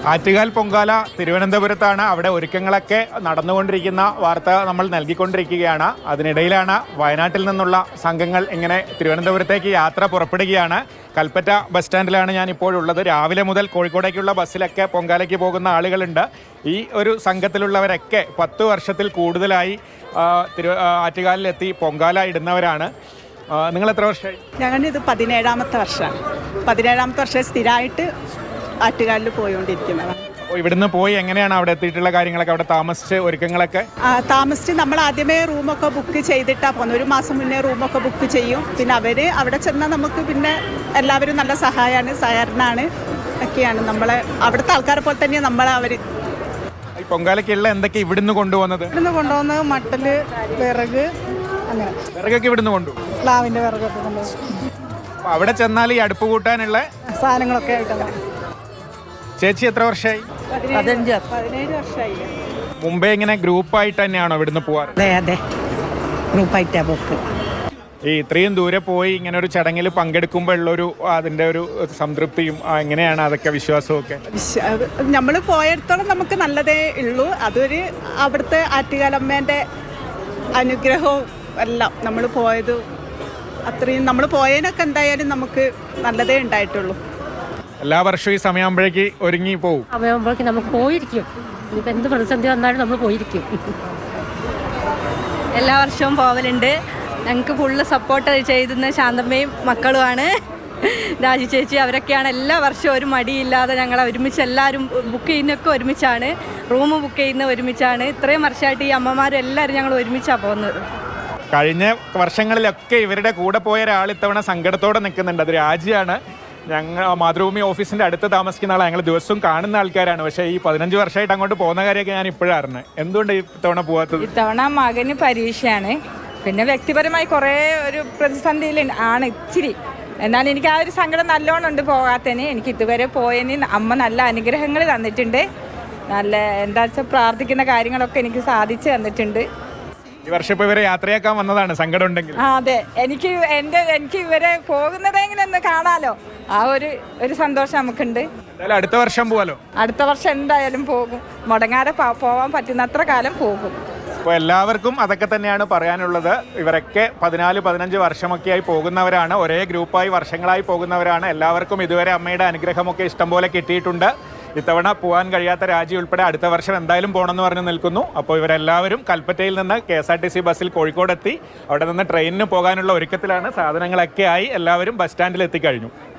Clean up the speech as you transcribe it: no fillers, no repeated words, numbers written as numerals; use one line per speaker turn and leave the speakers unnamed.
ആറ്റുകാൽ പൊങ്കാല തിരുവനന്തപുരത്താണ്. അവിടെ ഒരുക്കങ്ങളൊക്കെ നടന്നുകൊണ്ടിരിക്കുന്ന വാർത്ത നമ്മൾ നൽകിക്കൊണ്ടിരിക്കുകയാണ്. അതിനിടയിലാണ് വയനാട്ടിൽ നിന്നുള്ള സംഘങ്ങൾ ഇങ്ങനെ തിരുവനന്തപുരത്തേക്ക് യാത്ര പുറപ്പെടുകയാണ്. കൽപ്പറ്റ ബസ് സ്റ്റാൻഡിലാണ് ഞാൻ ഇപ്പോഴുള്ളത്. രാവിലെ മുതൽ കോഴിക്കോടേക്കുള്ള ബസ്സിലൊക്കെ പൊങ്കാലയ്ക്ക് പോകുന്ന ആളുകളുണ്ട്. ഈ ഒരു സംഘത്തിലുള്ളവരൊക്കെ 10 വർഷത്തിൽ കൂടുതലായി ആറ്റുകാലിലെത്തി പൊങ്കാല ഇടുന്നവരാണ്. നിങ്ങൾ എത്ര വർഷമായി?
ഞങ്ങളിത് 17ാമത്തെ വർഷമാണ്. 17ാമത്തെ വർഷം സ്ഥിരമായിട്ട് ആറ്റുകാലിൽ പോയിക്കൊണ്ടിരിക്കുന്നതാണ്.
ഇവിടുന്ന് പോയി എങ്ങനെയാണ് അവിടെ എത്തിയിട്ടുള്ള കാര്യങ്ങളൊക്കെ? അവിടെ താമസിച്ച് ഒരുക്കങ്ങളൊക്കെ
താമസിച്ച് നമ്മൾ ആദ്യമേ റൂമൊക്കെ ബുക്ക് ചെയ്തിട്ടാണ് പോകുന്നത്. 1 മാസം മുന്നേ റൂമൊക്കെ ബുക്ക് ചെയ്യും. പിന്നെ അവർ അവിടെ ചെന്നാൽ നമുക്ക് പിന്നെ എല്ലാവരും നല്ല സഹായമാണ്, സഹകരണമാണ് ഒക്കെയാണ്. നമ്മളെ അവിടുത്തെ ആൾക്കാരെ പോലെ തന്നെയാണ് അവർ.
ഈ പൊങ്കാലയ്ക്കുള്ള എന്തൊക്കെ ഇവിടുന്ന് കൊണ്ടുപോകുന്നത്?
ഇവിടുന്ന് കൊണ്ടുപോകുന്നത് മട്ടല്, വിറക്, അങ്ങനെ
വിറകൊക്കെ ഇവിടുന്ന് കൊണ്ടുപോകും.
പ്ലാവിൻ്റെ വിറകൊക്കെ കൊണ്ടുപോകും.
അവിടെ ചെന്നാൽ ഈ അടുപ്പ് കൂട്ടാനുള്ള
സാധനങ്ങളൊക്കെ ആയിട്ടങ്ങനെ.
ചേച്ചി എത്ര വർഷമായി?
17 വർഷമായി.
മുമ്പേ ഇങ്ങനെ ഗ്രൂപ്പായിട്ട് തന്നെയാണോ ഇവിടുന്ന് പോവാറ്?
അതെ, ഗ്രൂപ്പായിട്ടാണ് പോക്ക്.
ഈ ഇത്രയും ദൂരെ പോയി ഇങ്ങനെ ഒരു ചടങ്ങിൽ പങ്കെടുക്കുമ്പോൾ ഉള്ളൊരു അതിൻ്റെ ഒരു സംതൃപ്തിയും എങ്ങനെയാണ് അതൊക്കെ വിശ്വാസമൊക്കെ?
നമ്മൾ പോയിടത്തോളം നമുക്ക് നല്ലതേ ഉള്ളൂ. അതൊരു അവിടുത്തെ ആറ്റുകാലമ്മേൻ്റെ അനുഗ്രഹവും എല്ലാം നമ്മൾ പോയത് അത്രയും നമ്മൾ പോയതിനൊക്കെ എന്തായാലും നമുക്ക് നല്ലതേ ഉണ്ടായിട്ടുള്ളൂ.
എല്ലാ വർഷവും ഈ സമയമാകുമ്പോഴേക്ക് ഒരുങ്ങി പോകും.
സമയമാകുമ്പോഴേക്ക് നമുക്ക് പോയിരിക്കും. ഇനിയിപ്പോൾ എന്ത് പ്രതിസന്ധി വന്നാലും നമ്മൾ പോയിരിക്കും.
എല്ലാ വർഷവും പോവലുണ്ട്. ഞങ്ങൾക്ക് ഫുള്ള് സപ്പോർട്ട് ചെയ്യുന്ന ശാന്തമ്മയും മക്കളുമാണ്. രാജി ചേച്ചി അവരൊക്കെയാണ് എല്ലാ വർഷവും ഒരു മടിയില്ലാതെ ഞങ്ങൾ ഒരുമിച്ച് എല്ലാവരും ബുക്ക് ചെയ്യുന്നതൊക്കെ ഒരുമിച്ചാണ്. റൂം ബുക്ക് ചെയ്യുന്ന ഒരുമിച്ചാണ്. ഇത്രയും വർഷമായിട്ട് ഈ അമ്മമാരും എല്ലാവരും ഞങ്ങൾ ഒരുമിച്ചാണ് പോകുന്നത്.
കഴിഞ്ഞ വർഷങ്ങളിലൊക്കെ ഇവരുടെ കൂടെ പോയ ഒരാൾ ഇത്തവണ സങ്കടത്തോടെ നിൽക്കുന്നുണ്ട്. അത് രാജിയാണ്. ഞങ്ങൾ മാതൃഭൂമി ഓഫീസിൻ്റെ അടുത്ത് താമസിക്കുന്ന ആളാണ്. ഞങ്ങൾ ദിവസവും കാണുന്ന ആൾക്കാരാണ്. പക്ഷേ ഈ 15 വർഷമായിട്ട് അങ്ങോട്ട് പോകുന്ന കാര്യമൊക്കെ ഞാൻ ഇപ്പോഴാണ് അറിഞ്ഞത്. എന്തുകൊണ്ട് ഇത്തവണ പോകാത്തത്?
ഇത്തവണ മകന് പരീക്ഷയാണ്. പിന്നെ വ്യക്തിപരമായി കുറേ ഒരു പ്രതിസന്ധിയിൽ ആണ് ഇച്ചിരി. എന്നാൽ എനിക്ക് ആ ഒരു സങ്കടം നല്ലോണം ഉണ്ട് പോകാത്തതിന്. എനിക്ക് ഇതുവരെ പോയതിന് അമ്മ നല്ല അനുഗ്രഹങ്ങൾ തന്നിട്ടുണ്ട്. നല്ല എന്താ വെച്ചാൽ പ്രാർത്ഥിക്കുന്ന കാര്യങ്ങളൊക്കെ എനിക്ക് സാധിച്ചു തന്നിട്ടുണ്ട്.
ഈ വർഷം ഇപ്പോൾ ഇവരെ യാത്രയാക്കാൻ വന്നതാണ്. സങ്കടം ഉണ്ടെങ്കിൽ
അതെ, എനിക്ക് ഇവരെ പോകുന്നതെങ്കിലും ഒന്ന് കാണാലോ. ആ ഒരു സന്തോഷം നമുക്കുണ്ട്.
അടുത്ത വർഷം പോകാലോ.
അടുത്ത വർഷം എന്തായാലും പോകും. മുടങ്ങാതെ പോവാൻ പറ്റുന്നത്ര കാലം പോകും.
അപ്പോൾ എല്ലാവർക്കും അതൊക്കെ തന്നെയാണ് പറയാനുള്ളത്. ഇവരൊക്കെ 14-15 വർഷമൊക്കെയായി പോകുന്നവരാണ്. ഒരേ ഗ്രൂപ്പായി വർഷങ്ങളായി പോകുന്നവരാണ്. എല്ലാവർക്കും ഇതുവരെ അമ്മയുടെ അനുഗ്രഹമൊക്കെ ഇഷ്ടംപോലെ കിട്ടിയിട്ടുണ്ട്. ഇത്തവണ പോകാൻ കഴിയാത്ത രാജി ഉൾപ്പെടെ അടുത്ത വർഷം എന്തായാലും പോകണമെന്ന് പറഞ്ഞ് നിൽക്കുന്നു. അപ്പോൾ ഇവരെല്ലാവരും കൽപ്പറ്റയിൽ നിന്ന് KSRTC ബസ്സിൽ കോഴിക്കോടെത്തി അവിടെ നിന്ന് ട്രെയിനിന് പോകാനുള്ള ഒരുക്കത്തിലാണ്. സാധനങ്ങളൊക്കെ ആയി എല്ലാവരും ബസ് സ്റ്റാൻഡിൽ എത്തിക്കഴിഞ്ഞു.